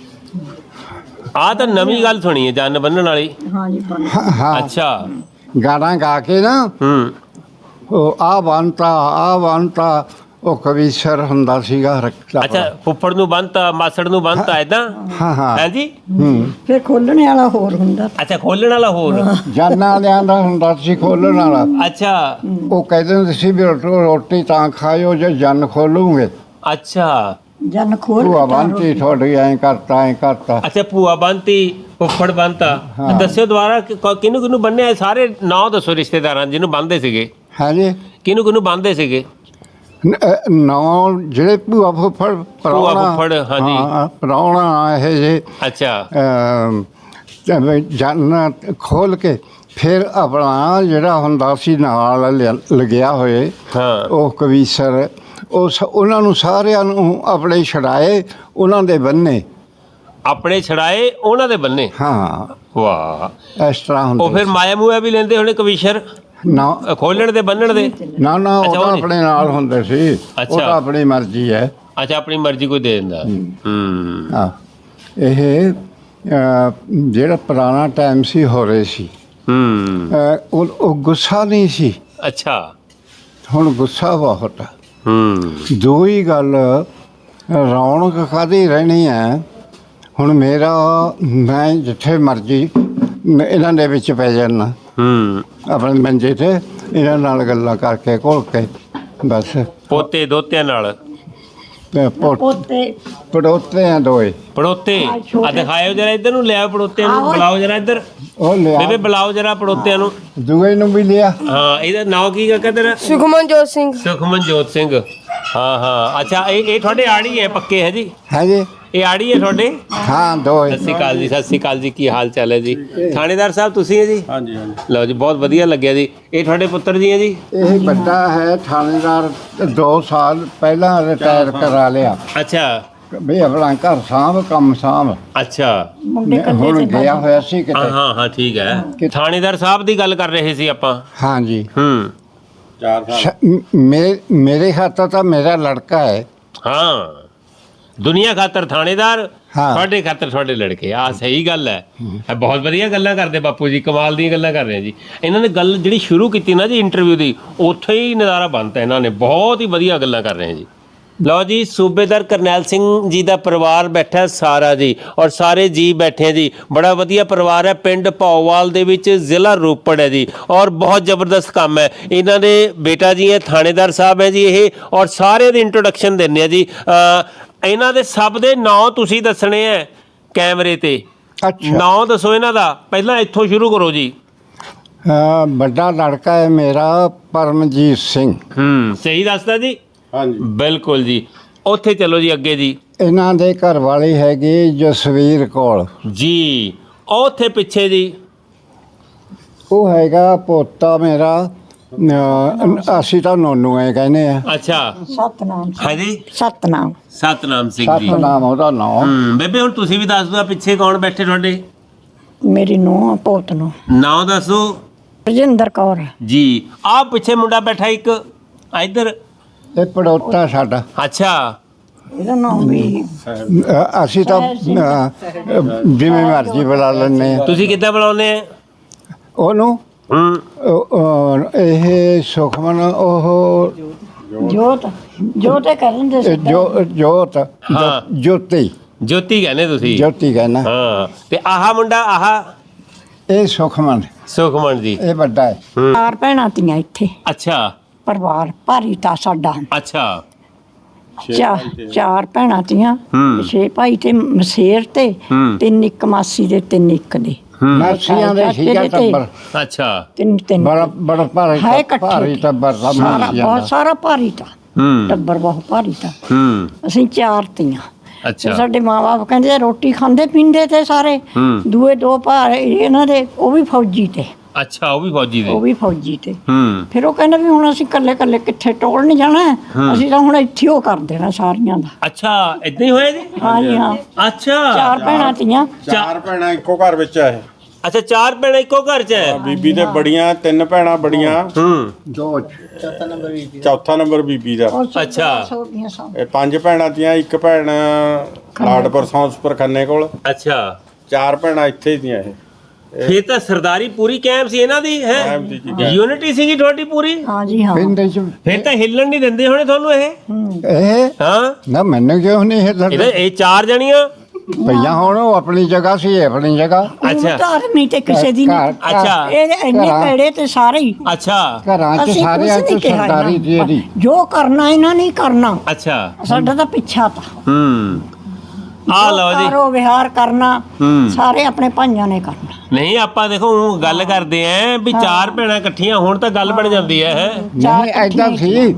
ਆਹ ਤਾਂ ਨਵੀਂ ਗੱਲ ਸੁਣੀ ਹੈ, ਜਨ ਬੰਨਣ ਵਾਲੀ। ਹਾਂਜੀ ਹਾਂ ਅੱਛਾ ਗਾਣਾ ਗਾ ਕੇ ਨਾ ਉਹ ਆ ਬੰਨਤਾ ਉਹ ਕਵੀਸ਼ਰ ਹੁੰਦਾ ਸੀਗਾ। ਅੱਛਾ ਫੁੱਫੜ ਨੂੰ ਬੰਨਤਾ, ਮਾਸੜ ਨੂੰ ਬੰਨਤਾ, ਏਦਾਂ। ਹਾਂ ਹਾਂ ਹੈ ਜੀ। ਫਿਰ ਖੋਲਣੇ ਵਾਲਾ ਹੋਰ ਹੁੰਦਾ। ਅੱਛਾ ਖੋਲਣ ਵਾਲਾ ਹੋਰ। ਜਾਨਾਂ ਵਾਲਿਆਂ ਦਾ ਹੁੰਦਾ ਸੀ ਖੋਲ੍ਹਣ ਵਾਲਾ। ਅੱਛਾ ਉਹ ਕਹਿੰਦੇ ਹੁੰਦੇ ਸੀ ਵੀ ਰੋਟੀ ਤਾਂ ਖਾਇਓ ਜੇ ਜਨ ਖੋਲੂਗੇ। ਅੱਛਾ ਜਨ ਖੋਲ ਭੂਆ ਬੰਨਤੀ ਤੁਹਾਡੀ, ਐਂ ਕਰਤਾ। ਅੱਛਾ ਭੂਆ ਬੰਨਤੀ, ਫੁੱਫੜ ਬੰਨਤਾ। ਦੱਸਿਓ ਦੁਬਾਰਾ ਕਿਹਨੂੰ ਕਿਹਨੂੰ ਬੰਨਿਆ? ਸਾਰੇ ਨਾਂ ਦੱਸੋ ਰਿਸ਼ਤੇਦਾਰਾਂ ਜਿਹਨੂੰ ਬੰਨਦੇ ਸੀਗੇ। ਹੈ ਜੀ। ਕਿਹਨੂੰ ਬੰਨਦੇ ਸੀਗੇ? ਨੌ ਜਿਹੜੇ ਭੂਆ ਫੁੱਫੜ ਫੁੱਫੜ, ਹਾਂਜੀ। ਪ੍ਰਾਹੁਣਾ ਇਹ ਜੇ। ਅੱਛਾ ਜਨ ਖੋਲ ਕੇ ਫਿਰ ਆਪਣਾ ਜਿਹੜਾ ਹੁੰਦਾ ਸੀ ਨਾਲ ਲੱਗਿਆ ਹੋਏ ਉਹ ਕਵੀਸ਼ਰ, ਉਹਨਾਂ ਨੂੰ ਸਾਰਿਆਂ ਨੂੰ ਆਪਣੇ ਛੜਾਏ, ਉਹਨਾਂ ਦੇ ਬੰਨੇ। ਆਪਣੇ ਛੜਾਏ ਉਹਨਾਂ ਦੇ ਬੰਨੇ। ਹਾਂ ਵਾਹ ਇਸ ਤਰ੍ਹਾਂ ਹੁੰਦਾ। ਉਹ ਫਿਰ ਮਾਇਆ ਮੂਆ ਵੀ ਲੈਂਦੇ ਹੋਣੇ ਕਵੀਸ਼ਰ ਨਾ ਖੋਲਣ ਦੇ ਬੰਨਣ ਦੇ? ਨਾ ਉਹ ਤਾਂ ਆਪਣੇ ਨਾਲ ਹੁੰਦੇ ਸੀ। ਉਹ ਤਾਂ ਆਪਣੀ ਮਰਜ਼ੀ ਹੈ। ਅੱਛਾ ਆਪਣੀ ਮਰਜ਼ੀ ਕੋਈ ਦੇ ਦਿੰਦਾ। ਹਾਂ ਇਹ ਜਿਹੜਾ ਪੁਰਾਣਾ ਟਾਈਮ ਸੀ ਹੋ ਰਹੇ ਸੀ। ਉਹ ਗੁੱਸਾ ਨਹੀਂ ਸੀ। ਅੱਛਾ ਹੁਣ ਗੁੱਸਾ ਬਹੁਤ ਆ। ਦੋ ਹੀ ਗੱਲ, ਰੌਣਕ ਕਾਹਦੀ ਰਹਿਣੀ ਹੈ। ਹੁਣ ਮੈਂ ਜਿੱਥੇ ਮਰਜ਼ੀ ਇਹਨਾਂ ਦੇ ਵਿੱਚ ਪੈ ਜਾਂਦਾ, ਆਪਣੇ ਮੰਜੇ ਤੇ ਇਹਨਾਂ ਨਾਲ ਗੱਲਾਂ ਕਰਕੇ ਘੋਲ ਕੇ ਬਸ। ਪੋਤੇ ਦੋਤਿਆਂ ਨਾਲ ਪੜੋਤੇ ਆ ਦੋਏ ਪੜੋਤੇ। ਆ ਦਿਖਾਇਓ ਜਰਾ ਇੱਧਰ ਨੂੰ, ਲਿਆਓ ਪੜੋਤਿਆਂ ਨੂੰ, ਬੁਲਾਓ ਜਰਾ ਇੱਧਰ। ਉਹ ਲਿਆ ਬੇਬੇ ਬੁਲਾਓ ਜਰਾ ਪੜੋਤਿਆਂ ਨੂੰ। ਦੂਏ ਨੂੰ ਵੀ ਲਿਆ। ਹਾਂ ਇਹਦਾ ਨਾਂ ਕੀ ਕਾਕਾ ਤੇਰਾ? ਸੁਖਮਨਜੋਤ ਸਿੰਘ। ਸੁਖਮਨਜੋਤ ਸਿੰਘ। ਹਾਂ ਅੱਛਾ ਇਹ ਤੁਹਾਡੇ ਆੜੀ ਹੈ ਪੱਕੇ? ਹੈ ਜੀ। ਹੈ ਜੀ। ਇਹ ਆੜੀ ਹੈ ਤੁਹਾਡੇ? ਹਾਂ ਦੋਏ। ਸਤਿ ਸ਼੍ਰੀ ਅਕਾਲ ਜੀ ਕੀ ਹਾਲ ਚਾਲ ਹੈ ਜੀ? ਥਾਣੇਦਾਰ ਸਾਹਿਬ ਤੁਸੀਂ ਹੈ ਜੀ? ਹਾਂਜੀ ਲਓ ਜੀ ਬਹੁਤ ਵਧੀਆ ਲੱਗਿਆ ਜੀ। ਇਹ ਤੁਹਾਡੇ ਪੁੱਤਰ ਜੀ ਹੈ ਜੀ? ਇਹ ਵੱਡਾ ਹੈ ਥਾਣੇਦਾਰ, 2 ਸਾਲ ਪਹਿਲਾਂ ਰਿਟਾਇਰ ਕਰਾ ਲਿਆ। ਅੱਛਾ ਵੀ ਆਪਣਾ ਘਰ ਸਾਂਭ, ਕੰਮ ਸਾਂਭ। ਅੱਛਾ ਹੁਣ ਗਿਆ ਹੋਇਆ ਸੀ ਕਿਤੇ। ਹਾਂ ਠੀਕ ਹੈ। ਥਾਣੇਦਾਰ ਸਾਹਿਬ ਦੀ ਗੱਲ ਕਰ ਰਹੇ ਸੀ ਆਪਾਂ। ਹਾਂ ਜੀ। ਮੇਰੇ ਖਾਤਰ ਤਾਂ ਮੇਰਾ ਲੜਕਾ ਹੈ। ਹਾਂ ਦੁਨੀਆ ਖਾਤਰ ਥਾਣੇਦਾਰ, ਤੁਹਾਡੇ ਖਾਤਰ ਤੁਹਾਡੇ ਲੜਕੇ। ਆ ਸਹੀ ਗੱਲ ਹੈ। ਬਹੁਤ ਵਧੀਆ ਗੱਲਾਂ ਕਰਦੇ ਬਾਪੂ ਜੀ, ਕਮਾਲ ਦੀਆਂ ਗੱਲਾਂ ਕਰ ਰਹੇ ਜੀ। ਇਹਨਾਂ ਨੇ ਗੱਲ ਜਿਹੜੀ ਸ਼ੁਰੂ ਕੀਤੀ ਨਾ ਜੀ ਇੰਟਰਵਿਊ ਦੀ, ਉੱਥੇ ਹੀ ਨਜ਼ਾਰਾ ਬਣਤਾ ਇਹਨਾਂ ਨੇ। ਬਹੁਤ ਹੀ ਵਧੀਆ ਗੱਲਾਂ ਕਰ ਰਹੇ ਜੀ। ਲਓ ਜੀ ਸੂਬੇਦਾਰ ਕਰਨੈਲ ਸਿੰਘ ਜੀ ਦਾ ਪਰਿਵਾਰ ਬੈਠਾ ਸਾਰਾ ਜੀ, ਔਰ ਸਾਰੇ ਜੀ ਬੈਠੇ ਜੀ। ਬੜਾ ਵਧੀਆ ਪਰਿਵਾਰ ਹੈ, ਪਿੰਡ ਭੌਵਾਲ ਦੇ ਵਿੱਚ, ਜ਼ਿਲ੍ਹਾ ਰੋਪੜ ਹੈ ਜੀ। ਔਰ ਬਹੁਤ ਜ਼ਬਰਦਸਤ ਕੰਮ ਹੈ। ਇਹਨਾਂ ਦੇ ਬੇਟਾ ਜੀ ਹੈ ਥਾਣੇਦਾਰ ਸਾਹਿਬ ਹੈ ਜੀ ਇਹ, ਔਰ ਸਾਰੇ ਦੀ ਇੰਟਰੋਡਕਸ਼ਨ ਦਿੰਦੇ ਆ ਜੀ। ਇਹਨਾਂ ਦੇ ਸਭ ਦੇ ਨਾਂ ਤੁਸੀਂ ਦੱਸਣੇ ਹੈ ਕੈਮਰੇ ਤੇ। ਨਾਂ ਦੱਸੋ ਇਹਨਾਂ ਦਾ, ਪਹਿਲਾਂ ਇੱਥੋਂ ਸ਼ੁਰੂ ਕਰੋ ਜੀ। ਵੱਡਾ ਲੜਕਾ ਹੈ ਮੇਰਾ ਪਰਮਜੀਤ ਸਿੰਘ। ਸਹੀ ਦੱਸਦਾ ਜੀ? ਹਾਂਜੀ ਬਿਲਕੁਲ ਜੀ। ਉੱਥੇ ਚਲੋ ਜੀ ਅੱਗੇ ਜੀ। ਇਹਨਾਂ ਦੇ ਘਰ ਵਾਲੀ ਹੈਗੀ ਜਸਵੀਰ ਕੌਰ ਜੀ। ਉੱਥੇ ਪਿੱਛੇ ਜੀ ਉਹ ਹੈਗਾ ਪੋਤਾ ਮੇਰਾ, ਅਸੀਂ ਤਾਂ ਨੋਨੂ ਐ ਕਹਿੰਦੇ ਆ। ਅੱਛਾ ਸਤਨਾਮ ਹੈ ਜੀ। ਸਤਨਾਮ ਸਿੰਘ ਜੀ। ਸਤਨਾਮ ਉਹਦਾ ਨਾਮ। ਬੇਬੇ ਹੁਣ ਤੁਸੀਂ ਵੀ ਦੱਸ ਦਿਓ ਪਿੱਛੇ ਕੌਣ ਬੈਠੇ ਤੁਹਾਡੇ? ਮੇਰੀ ਨੂੰਹ ਪੋਤ ਨੂੰ ਨਾਂ ਦੱਸੋ। ਰਜਿੰਦਰ ਕੌਰ ਜੀ। ਆਹ ਪਿੱਛੇ ਮੁੰਡਾ ਬੈਠਾ ਇੱਕ ਇੱਧਰ, ਇਹ ਪੜੋਤਾ ਸਾਡਾ। ਅੱਛਾ ਇਹਦਾ ਨਾਮ ਵੀ ਅਸੀਂ ਤਾਂ ਜਿਵੇਂ ਮਰਜ਼ੀ ਬੁਲਾ ਲੈਂਦੇ ਆ। ਤੁਸੀਂ ਕਿੱਦਾਂ ਬੁਲਾਉਂਦੇ ਆ ਉਹਨੂੰ? ਇਹ ਸੁਖਮਨ, ਉਹ ਜੋਤ ਕਰਨ ਦੇ ਜੋਤੀ ਕਹਿੰਦੇ ਤੁਸੀਂ? ਜੋਤੀ ਕਹਿੰਦਾ। ਹਾਂ ਤੇ ਆਹ ਮੁੰਡਾ, ਆਹ ਇਹ ਸੁਖਮਨ ਸੁਖਮਨ ਜੀ ਇਹ ਵੱਡਾ ਹੈ। ਚਾਰ ਭੈਣਾਂ ਤੀਆਂ ਇੱਥੇ ਅੱਛਾ ਪਰਿਵਾਰ ਭਾਰੀ ਤਾਂ ਸਾਡਾ ਅੱਛਾ ਚਾਰ ਭੈਣਾਂ ਤੀਆਂ 6 ਭਾਈ ਤੇ ਮਸੇਰ ਤੇ 3 ਇੱਕ ਮਾਸੀ ਦੇ 3 ਇੱਕ ਦੇ ਮਾਸੀਆਂ ਦੇ ਸੀਗਾ ਟੱਬਰ। ਅੱਛਾ ਤਿੰਨ ਬੜਾ ਬੜਾ ਭਾਰੀ ਹੈ ਇਕੱਠੇ ਭਾਰੀ ਟੱਬਰ ਦਾ ਸਾਰਾ ਮਾਸੀਆਂ ਬਹੁਤ ਦਾ। ਸਾਰਾ ਭਾਰੀ ਤਾਂ ਟੱਬਰ ਬਹੁਤ ਭਾਰੀ ਤਾਂ ਅਸੀਂ ਚਾਰ ਤੀਆਂ ਤੇ ਅੱਛਾ ਸਾਡੇ ਮਾਂ-ਬਾਪ ਕਹਿੰਦੇ ਰੋਟੀ ਖਾਂਦੇ ਪੀਂਦੇ ਤੇ ਸਾਰੇ ਦੂਏ 2 ਭਾ ਇਹਨਾਂ ਦੇ ਉਹ ਵੀ ਫੌਜੀ ਤੇ ਅੱਛਾ ਉਹ ਵੀ ਫੌਜੀ ਉਹ ਦੇ ਵੀ ਫੌਜੀ ਤੇ ਫਿਰ ਉਹ ਕਹਿੰਦੇ ਵੀ ਹੁਣ ਅਸੀਂ ਇਕੱਲੇ ਇਕੱਲੇ ਕਿੱਥੇ ਟੋਲ ਨਹੀਂ ਜਾਣਾ ਅਸੀਂ ਤਾਂ ਹੁਣ ਇੱਥੇ ਉਹ ਕਰ ਦੇਣਾ ਸਾਰੀਆਂ ਦਾ ਅੱਛਾ ਇਦਾਂ ਹੀ ਹੋਇਆ ਜੀ ਹਾਂ ਜੀ ਹਾਂ ਅੱਛਾ ਚਾਰ ਭੈਣਾਂ ਤੀਆਂ ਚਾਰ ਭੈਣਾਂ ਇੱਕੋ ਘਰ ਵਿੱਚ ਆ ਇਹ ਅੱਛਾ 4 ਭੈਣਾਂ ਇੱਕੋ ਘਰ 'ਚ ਹੈ ਬੀਬੀ ਤੇ ਬੜੀਆਂ 3 ਭੈਣਾਂ ਬੜੀਆਂ ਦੋ ਚੌਥਾ ਨੰਬਰ ਬੀਬੀ ਦਾ ਉਹ ਸਭ ਅੱਛਾ। ਹੋ ਗਈਆਂ ਸਭ। ਇਹ 5 ਭੈਣਾਂ ਤੀਆਂ ਇੱਕ ਭੈਣ ਲਾਡਪੁਰ ਸੌਂਸਪੁਰ ਖੰਨੇ ਕੋਲ ਅੱਛਾ 4 ਭੈਣਾਂ ਇੱਥੇ ਦੀਆਂ ਇਹ ਫੇਰ ਤਾਂ ਸਰਦਾਰੀ ਪੂਰੀ ਕਾਇਮ ਸੀ ਇਹਨਾਂ ਦੀ ਹੈ ਕਾਇਮ ਸੀ ਜੀ, ਕਾਇਮ। ਯੂਨਿਟੀ ਸੀਗੀ ਤੁਹਾਡੀ ਪੂਰੀ ਹਾਂ ਜੀ ਹਾਂ ਪਿੰਡ ਚ ਫੇਰ ਤਾਂ ਹਿੱਲਣ ਨਹੀਂ ਦਿੰਦੇ ਹੋਣੇ ਤੁਹਾਨੂੰ ਇਹ ਇਹ ਹਾਂ ਨਾ ਮੈਨੂੰ ਕਿਉਂ ਨਹੀਂ ਹਿੱਲਣ ਇਹ 4 ਜਣੀਆਂ ਭਈਆ ਹੁਣ ਉਹ ਆਪਣੀ ਜਗ੍ਹਾ ਸੀ ਇਹ ਆਪਣੀ ਜਗ੍ਹਾ ਅੱਛਾ ਧਾਰਮੀ ਤੇ ਕਿਸੇ ਦੀ ਨਹੀਂ ਘਰ- ਅੱਛਾ ਇਹ ਇੰਨੇ ਘਰਾਂ- ਕਿਹੜੇ ਤੇ ਸਾਰੇ ਹੀ ਅੱਛਾ ਘਰਾਂ ਚ ਅਸੀਂ ਸਾਰਿਆਂ ਕੁਛ ਚ ਨਹੀਂ ਕਿਹਾ ਸਰਦਾਰੀ ਜੀ ਇਹਨਾਂ ਇਹਦੀ ਨੂੰ। ਜੋ ਕਰਨਾ ਇਹਨਾਂ ਨੇ ਕਰਨਾ ਅੱਛਾ ਸਾਡਾ ਤਾਂ ਪਿੱਛਾ ਤਾਂ ਆ ਲਓ ਜੀ ਕਾਰੋ ਵਿਹਾਰ ਕਰਨਾ ਸਾਰੇ ਆਪਣੇ ਭਾਈਆਂ ਨੇ ਕਰਨਾ ਨਹੀਂ ਆਪਾਂ ਦੇਖੋ ਊਂ ਗੱਲ ਕਰਦੇ ਆਂ ਵੀ 4 ਭੈਣਾਂ ਇਕੱਠੀਆਂ ਹੋਣ ਤਾਂ ਗੱਲ ਬਣ ਜਾਂਦੀ ਹੈ ਨਹੀਂ ਐਦਾਂ ਸੀ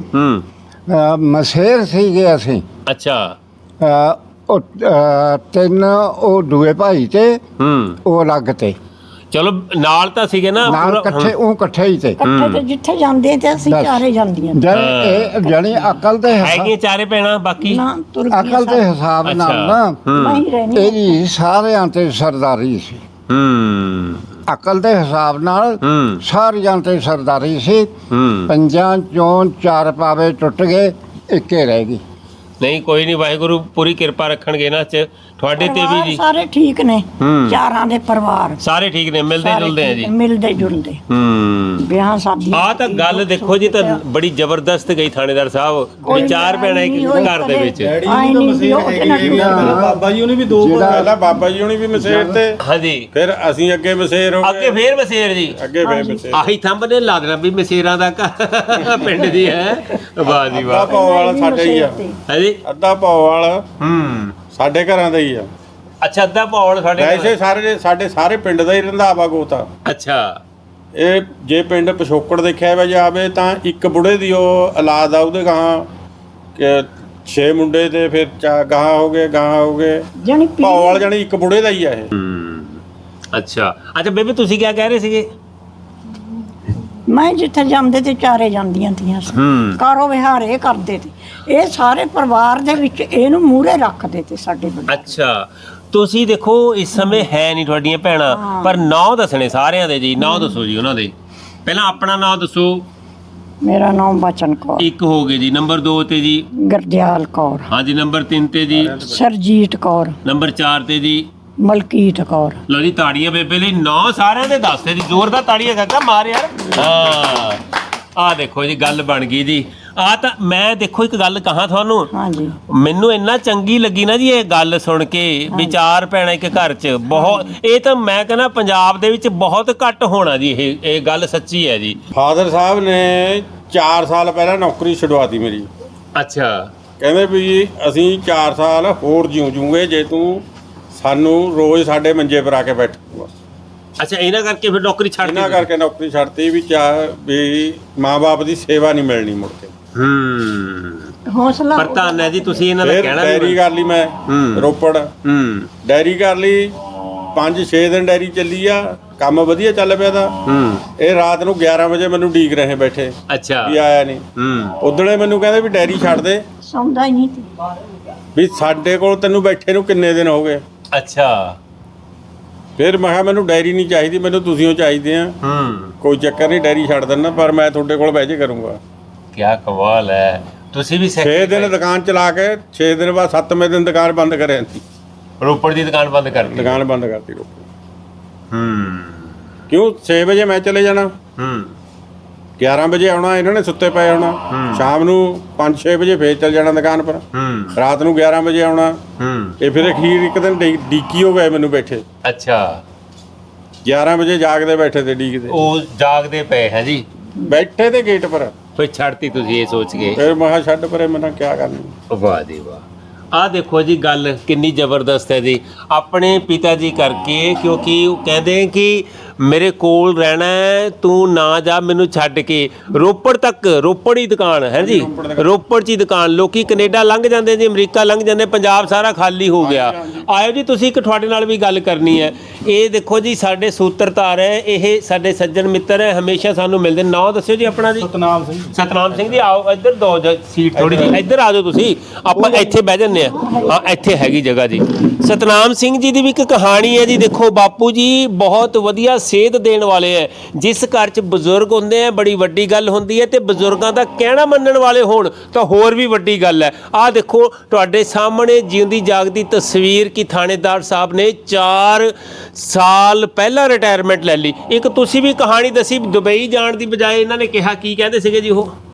ਮਸੇਰ ਸੀਗੇ ਅਸੀਂ ਅੱਛਾ ਉਹ 3 ਉਹ ਦੂਏ ਭਾਈ ਤੇ ਉਹ ਅਲੱਗ ਤੇ ਚਲੋ ਨਾਲ ਤਾਂ ਸੀਗੇ ਨਾ ਨਾਲ ਪੂਰਾ- ਇਕੱਠੇ ਉਹ ਇਕੱਠੇ ਹੀ ਤੇ ਇਕੱਠੇ ਤੇ ਜਿੱਥੇ ਜਾਂਦੇ ਤੇ ਅਸੀਂ ਬਸ। ਚਾਰੇ ਜਾਂਦੀਆਂ ਇਹ ਜਾਣੀ ਅਕਲ ਦੇ ਹੈਗੀਆਂ 4 ਭੈਣਾਂ ਬਾਕੀ ਨਾ ਤੁਰ ਗਈਆਂ ਅਕਲ ਦੇ ਹਿਸਾਬ ਨਾਲ ਨਾ ਮੈਂ ਹੀ ਰਹਿਣੀ ਇਹਦੀ ਸਾਰਿਆਂ ਤੇ ਸਰਦਾਰੀ ਸੀ ਅਕਲ ਦੇ ਹਿਸਾਬ ਨਾਲ ਸਾਰਿਆਂ ਤੇ ਸਰਦਾਰੀ ਸੀ ਪੰਜਾਂ ਚੋਂ 4 ਪਾਵੇ ਟੁੱਟ ਗਏ ਇੱਕੇ ਰਹਿ ਗਈ ਨਹੀਂ ਕੋਈ ਨਹੀਂ ਵਾਹਿਗੁਰੂ ਪੂਰੀ ਕਿਰਪਾ ਰੱਖਣਗੇ ਨਾ ਚ ਤੁਹਾਡੇ ਤੇ ਵੀ ਪਰਿਵਾਰ ਜੀ ਸਾਰੇ ਠੀਕ ਨੇ ਚਾਰਾਂ ਦੇ ਪਰਿਵਾਰ ਸਾਰੇ ਠੀਕ ਨੇ ਮਿਲਦੇ ਸਾਰੇ ਜੁਲਦੇ ਆ ਠੀਕ ਜੀ ਨੇ, ਮਿਲਦੇ ਜੁਲਦੇ ਵਿਆਹ ਸ਼ਾਦੀਆਂ ਆ ਤਾਂ ਗੱਲ ਦੇਖੋ ਜੀ ਤਾਂ ਬੜੀ ਜ਼ਬਰਦਸਤ ਗਈ ਥਾਣੇਦਾਰ ਸਾਹਿਬ ਵੀ 4 ਭੈਣਾਂ ਇੱਕ ਘਰ ਦੇ ਵਿੱਚ ਬਾਬਾ ਜੀ ਉਹਨੇ ਵੀ 2 ਪਹਿਲਾਂ ਬਾਬਾ ਜੀ ਉਹਨੇ ਵੀ ਮਸੇਰ ਤੇ ਹਾਂਜੀ ਫਿਰ ਅਸੀਂ ਅੱਗੇ ਮਸੇਰ ਹੋ ਅੱਗੇ ਗਏ ਫੇਰ ਮਸੇਰ ਜੀ ਅੱਗੇ ਫੇਰ ਮਸੇਰ ਆਹੀ ਥੰਬ ਨੇ ਲਾ ਦੇਣਾ ਵੀ ਮਸੇਰਾਂ ਦਾ ਪਿੰਡ ਦੀ ਹੈ ਵਾਹ ਜੀ ਅੱਧਾ ਵਾਹ ਪਾਉ ਵਾਲਾ ਸਾਡੇ ਹੀ ਆ ਹਾਂਜੀ ਅੱਧਾ ਪਾਉ ਵਾਲਾ ਸਾਡੇ ਘਰਾਂ ਦਾ ਹੀ ਆ ਅੱਛਾ ਅੱਧਾ ਪੌਣ ਸਾਡੇ ਵੈਸੇ ਸਾਡੇ ਸਾਰੇ ਪਿੰਡ ਦਾ ਹੀ ਰੰਧਾਵਾ ਗੋਤਾ ਅੱਛਾ ਇਹ ਜੇ ਪਿੰਡ ਪਿਛੋਕੜ ਦੇਖਿਆ ਵਾ ਜਾਵੇ ਤਾਂ ਇੱਕ ਬੁੜੇ ਦੀ ਉਹ ਔਲਾਦ ਆ ਉਹਦੇ ਗਾਂ 6 ਮੁੰਡੇ ਤੇ ਫਿਰ ਗਾਂ ਹੋ ਗਏ ਜਣੀ ਭਾਉ ਵਾਲਾ ਜਾਨੀ ਇੱਕ ਬੁੜੇ ਦਾ ਹੀ ਆ ਇਹ ਅੱਛਾ ਅੱਛਾ ਬੇਬੇ ਤੁਸੀਂ ਕੀ ਕਹਿ ਰਹੇ ਸੀਗੇ ਮੈਂ ਜਿੱਥੇ ਜਾਂਦੇ ਤੇ ਚਾਰੇ ਜਾਂਦੀਆਂ ਤੀਆਂ ਸੀ ਕਾਰੋ ਵਿਹਾਰ ਇਹ ਕਰਦੇ ਤੇ ਇਹ ਸਾਰੇ ਪਰਿਵਾਰ ਦੇ ਵਿੱਚ ਇਹਨੂੰ ਮੂਹਰੇ ਰੱਖਦੇ ਤੇ ਸਾਡੇ ਵੱਡੇ ਅੱਛਾ ਤੁਸੀਂ ਦੇਖੋ ਇਸ ਸਮੇਂ ਹੈ ਨਹੀਂ ਤੁਹਾਡੀਆਂ ਭੈਣਾਂ ਪਰ ਨਾਂ ਦੱਸਣੇ ਸਾਰਿਆਂ ਦੇ ਜੀ ਨਾਂ ਦੱਸੋ ਜੀ ਉਹਨਾਂ ਦੇ ਪਹਿਲਾਂ ਆਪਣਾ ਨਾਂ ਦੱਸੋ ਮੇਰਾ ਨਾਮ ਬਚਨ ਕੌਰ ਇੱਕ ਹੋ ਗਏ ਜੀ ਨੰਬਰ 2 ਤੇ ਜੀ ਗਰਦਿਆਲ ਕੌਰ ਹਾਂਜੀ ਨੰਬਰ 3 ਤੇ ਜੀ ਸਰਜੀਤ ਕੌਰ ਨੰਬਰ 4 ਤੇ ਜੀ ਮਲਕੀਤ ਕੌਰ ਲਓ ਜੀ ਤਾੜੀਆਂ ਬੇਬੇ ਲਈ ਨਾਂ ਸਾਰਿਆਂ ਦੇ ਦੱਸਦੇ ਜੀ ਜ਼ੋਰਦਾਰ ਤਾੜੀਆਂ ਕਾਕਾ ਮਾਰ ਯਾਰ ਹਾਂ ਆ ਦੇਖੋ ਜੀ ਗੱਲ ਬਣ ਗਈ ਜੀ ਆ ਤਾਂ ਮੈਂ ਦੇਖੋ ਇੱਕ ਗੱਲ ਕਹਾਂ ਤੁਹਾਨੂੰ ਹਾਂਜੀ ਮੈਨੂੰ ਇੰਨਾ ਚੰਗੀ ਲੱਗੀ ਨਾ ਜੀ ਇਹ ਗੱਲ ਸੁਣ ਕੇ ਵੀ 4 ਭੈਣਾਂ ਇੱਕ ਘਰ 'ਚ ਬਹੁਤ ਇਹ ਤਾਂ ਮੈਂ ਕਹਿੰਦਾ ਪੰਜਾਬ ਦੇ ਵਿੱਚ ਬਹੁਤ ਘੱਟ ਹੋਣਾ ਜੀ ਇਹ ਗੱਲ ਸੱਚੀ ਹੈ ਜੀ ਫਾਦਰ ਸਾਹਿਬ ਨੇ 4 ਸਾਲ ਪਹਿਲਾਂ ਨੌਕਰੀ ਛਡਵਾਤੀ ਮੇਰੀ ਅੱਛਾ ਕਹਿੰਦੇ ਵੀ ਅਸੀਂ 4 ਸਾਲ ਹੋਰ ਜੂਗੇ ਜੇ ਤੂੰ ਸਾਨੂੰ ਰੋਜ਼ ਸਾਡੇ ਮੰਜੇ ਪਰ ਆ ਕੇ ਬੈਠੂਗਾ ਅੱਛਾ ਇਹਨਾਂ ਕਰਕੇ ਫਿਰ ਨੌਕਰੀ ਛੱਡ ਇਹਨਾਂ ਕਰਕੇ ਨੌਕਰੀ ਛੱਡਤੀ ਵੀ ਮਾਂ-ਬਾਪ ਦੀ ਸੇਵਾ ਨਹੀਂ ਮਿਲਣੀ ਮੁੜ ਕੇ ਹੌਸਲਾ ਪ੍ਰਧਾਨ ਹੈ ਜੀ ਤੁਸੀਂ ਇਹਨਾਂ ਦਾ ਫਿਰ ਕਹਿਣਾ ਡੈਰੀ ਕਰ ਲਈ ਮੈਂ ਰੋਪੜ ਹੂੰ ਡੈਰੀ ਕਰ ਲਈ 5-6 ਦਿਨ ਡੈਰੀ ਚੱਲੀ ਆ ਕੰਮ ਵਧੀਆ ਚੱਲ ਪਿਆ ਦਾ ਇਹ ਰਾਤ ਨੂੰ 11 ਵਜੇ ਮੈਨੂੰ ਡੀਕ ਰਹੇ ਬੈਠੇ ਅੱਛਾ ਵੀ ਆਇਆ ਨਹੀਂ ਉਦਣੇ ਮੈਨੂੰ ਕਹਿੰਦੇ ਵੀ ਡੈਰੀ ਛੱਡ ਦੇ ਸੌਂਦਾ ਹੀ ਨਹੀਂ ਸੀ ਵੀ ਸਾਡੇ ਕੋਲ ਤੈਨੂੰ ਬੈਠੇ ਨੂੰ ਕਿੰਨੇ ਦਿਨ ਹੋ ਗਏ ਅੱਛਾ ਫਿਰ ਮੈਂ ਕਿਹਾ ਮੈਨੂੰ ਡੈਰੀ ਨਹੀਂ ਚਾਹੀਦੀ ਮੈਨੂੰ ਤੁਸੀਂ ਉਹ ਚਾਹੀਦੇ ਆ ਕੋਈ ਚੱਕਰ ਨਹੀਂ ਡੈਰੀ ਛੱਡ ਦਿੰਦਾ ਪਰ ਮੈਂ ਤੁਹਾਡੇ ਕੋਲ ਬਹਿ ਕੇ ਕਰੂੰਗਾ ਕੀ ਕਮਾਲ ਹੈ ਤੁਸੀਂ ਵੀ 6 ਦਿਨ ਦੁਕਾਨ ਚਲਾ ਕੇ 6 ਦਿਨ ਬਾਅਦ 7ਵੇਂ ਦਿਨ ਦੁਕਾਨ ਬੰਦ ਕਰ ਜਾਂਦੀ ਰੋਪੜ ਦੀ ਦੁਕਾਨ ਬੰਦ ਕਰਤੀ ਦੁਕਾਨ ਬੰਦ ਕਰਤੀ ਰੋਪੜ ਕਿਉਂ 6 ਵਜੇ ਮੈਂ ਚਲੇ ਜਾਣਾ 11 ਵਜੇ ਆਉਣਾ ਇਹਨਾਂ ਨੇ ਸੁੱਤੇ ਪਏ ਆਉਣਾ ਸ਼ਾਮ ਨੂੰ 5-6 ਵਜੇ ਫੇਰ ਚੱਲ ਜਾਣਾ ਦੁਕਾਨ ਪਰ ਰਾਤ ਨੂੰ 11 ਵਜੇ ਆਉਣਾ ਇਹ ਫਿਰ ਅਖੀਰ ਇੱਕ ਦਿਨ ਡੀਕੀ ਹੋ ਗਏ ਮੈਨੂੰ ਬੈਠੇ ਅੱਛਾ 11 ਵਜੇ ਜਾਗਦੇ ਬੈਠੇ ਤੇ ਡੀਕਦੇ ਉਹ ਜਾਗਦੇ ਪਏ ਹੈ ਜੀ, ਬੈਠੇ ਤੇ ਗੇਟ ਪਰ। ਫਿਰ ਛੱਡਤੀ ਤੁਸੀਂ ਇਹ ਸੋਚ ਕੇ? ਫਿਰ ਮੈਂ ਕਿਹਾ ਛੱਡ ਪਰੇ, ਮੈਂ ਕਿਆ ਕਰਨਾ। ਵਾਹ ਜੀ ਵਾਹ। ਆਹ ਦੇਖੋ ਜੀ ਗੱਲ ਕਿੰਨੀ ਜ਼ਬਰਦਸਤ ਹੈ ਜੀ, ਆਪਣੇ ਪਿਤਾ ਜੀ ਕਰਕੇ, ਕਿਉਂਕਿ ਉਹ ਕਹਿੰਦੇ ਕਿ ਮੇਰੇ ਕੋਲ ਰਹਿਣਾ ਹੈ, ਤੂੰ ਨਾ ਜਾ ਮੈਨੂੰ ਛੱਡ ਕੇ। ਰੋਪੜ ਤੱਕ, ਰੋਪੜ ਹੀ ਦੁਕਾਨ ਹੈ ਜੀ, ਰੋਪੜ 'ਚ ਹੀ ਦੁਕਾਨ। ਲੋਕੀ ਕੈਨੇਡਾ ਲੰਘ ਜਾਂਦੇ ਜੀ, ਅਮਰੀਕਾ ਲੰਘ ਜਾਂਦੇ, ਪੰਜਾਬ ਸਾਰਾ ਖਾਲੀ ਹੋ ਗਿਆ। ਆਇਓ ਜੀ, ਤੁਸੀਂ ਇੱਕ ਤੁਹਾਡੇ ਨਾਲ ਵੀ ਗੱਲ ਕਰਨੀ ਹੈ। ਇਹ ਦੇਖੋ ਜੀ ਸਾਡੇ ਸੂਤਰਧਾਰ ਹੈ, ਇਹ ਸਾਡੇ ਸੱਜਣ ਮਿੱਤਰ ਹੈ, ਹਮੇਸ਼ਾ ਸਾਨੂੰ ਮਿਲਦੇ। ਨਾਂ ਦੱਸਿਓ ਜੀ ਆਪਣਾ ਜੀ। ਸਤਨਾਮ ਸਿੰਘ। ਸਤਨਾਮ ਸਿੰਘ ਜੀ, ਆਓ ਇੱਧਰ ਦੋ ਸੀਟ ਥੋੜੀ ਜਿਹੀ ਇੱਧਰ ਆ ਜਾਓ ਤੁਸੀਂ, ਆਪਾਂ ਇੱਥੇ ਬਹਿ ਜੰਨੇ ਆ। ਹਾਂ ਇੱਥੇ ਹੈਗੀ ਜਗ੍ਹਾ ਜੀ। ਸਤਨਾਮ ਸਿੰਘ ਜੀ ਦੀ ਵੀ ਇੱਕ ਕਹਾਣੀ ਹੈ ਜੀ। ਦੇਖੋ ਬਾਪੂ ਜੀ ਬਹੁਤ ਵਧੀਆ ਸੇਧ ਦੇਣ ਵਾਲੇ ਹੈ। ਜਿਸ ਘਰ 'ਚ ਬਜ਼ੁਰਗ ਹੁੰਦੇ ਆ ਬੜੀ ਵੱਡੀ ਗੱਲ ਹੁੰਦੀ ਹੈ, ਤੇ ਬਜ਼ੁਰਗਾਂ ਦਾ ਕਹਿਣਾ ਮੰਨਣ ਵਾਲੇ ਹੋਣ ਤਾਂ ਹੋਰ ਵੀ ਵੱਡੀ ਗੱਲ ਹੈ। ਆਹ ਦੇਖੋ ਤੁਹਾਡੇ ਸਾਹਮਣੇ ਜਿਉਂਦੀ ਜਾਗਦੀ ਤਸਵੀਰ ਕਿ ਥਾਣੇਦਾਰ ਸਾਹਿਬ ਨੇ 4 ਸਾਲ ਪਹਿਲਾਂ ਰਿਟਾਇਰਮੈਂਟ ਲੈ ਲਈ। ਇੱਕ ਤੁਸੀਂ ਵੀ ਕਹਾਣੀ ਦੱਸੀ, ਦੁਬਈ ਜਾਣ ਦੀ ਬਜਾਏ ਇਹਨਾਂ ਨੇ ਕਿਹਾ, ਕੀ ਕਹਿੰਦੇ ਸੀਗੇ ਜੀ ਉਹ?